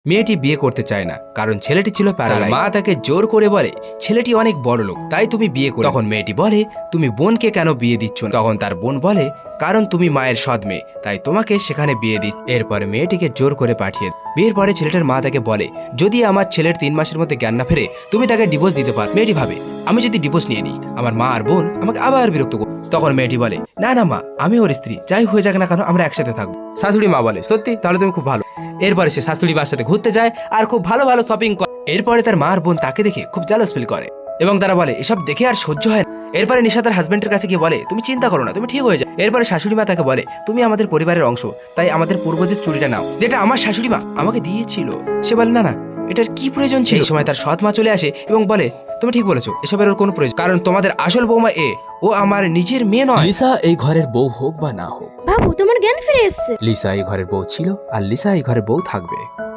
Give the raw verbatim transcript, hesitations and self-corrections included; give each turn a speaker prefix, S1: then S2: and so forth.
S1: মেয়েটি বিয়ে করতে চায় না, কারণ ছেলেটি ছিল প্যারালাইজ। মা তাকে জোর করে বলে ছেলেটি অনেক বড় লোক, তাই তুমি বিয়ে করো। তখন মেয়েটি বলে তুমি বোনকে কেন বিয়ে দিচ্ছ না? তখন তার বোন বলে কারণ তুমি মায়ের সৎ মেয়ে, তাই তোমাকে সেখানে বিয়ে দিই। এরপরে মেয়েটিকে জোর করে পাঠিয়ে দেয়। বিয়ের পরে ছেলেটার মা তাকে বলে যদি আমার ছেলের তিন মাসের মধ্যে জ্ঞান না ফেরে তুমি তাকে ডিভোর্স দিতে পার। মেয়েটি ভাবে আমি যদি ডিভোর্স নিয়ে নিই আমার মা আর বোন আমাকে আবার বিরক্ত করবে। তখন মেয়েটি বলে না না মা, আমি ওর স্ত্রী, যাই হয়ে যাক না কেন আমরা একসাথে থাকবো। শাশুড়ি মা বলে সত্যি, তাহলে তুমি খুব ভালো। এরপরে সে শাশুড়ি মার সাথে ঘুরতে যায় আর খুব ভালো ভালো শপিং করে। এরপরে তার মা আর বোন তাকে দেখে খুব জালাস ফিল করে এবং তারা বলে এসব দেখে আর সহ্য হয় না। এরপরে নিশা তার হাজবেন্ডের কাছে গিয়ে বলে তুমি চিন্তা করো না, তুমি ঠিক হয়ে যাও। এরপরে শাশুড়ি মা তাকে বলে তুমি আমাদের পরিবারের অংশ, তাই আমাদের পূর্বজের চুরিটা নাও, যেটা আমার শাশুড়ি মা আমাকে দিয়েছিল। সে বলে না না, এটার কি প্রয়োজন ছিল? এই সময় তার সৎ মা চলে আসে এবং বলে তুমি ঠিক বলেছো, এসবের ওর কোনো প্রয়োজন, কারণ তোমাদের আসল বৌমা এ, ও আমার নিজের মেয়ে নয়। লিসা এই ঘরের বউ হোক বা না হোক,
S2: বাবু তোমার জ্ঞান ফিরে এসেছে।
S1: লিসা এই ঘরের বউ ছিল আর লিসা এই ঘরের বউ থাকবে।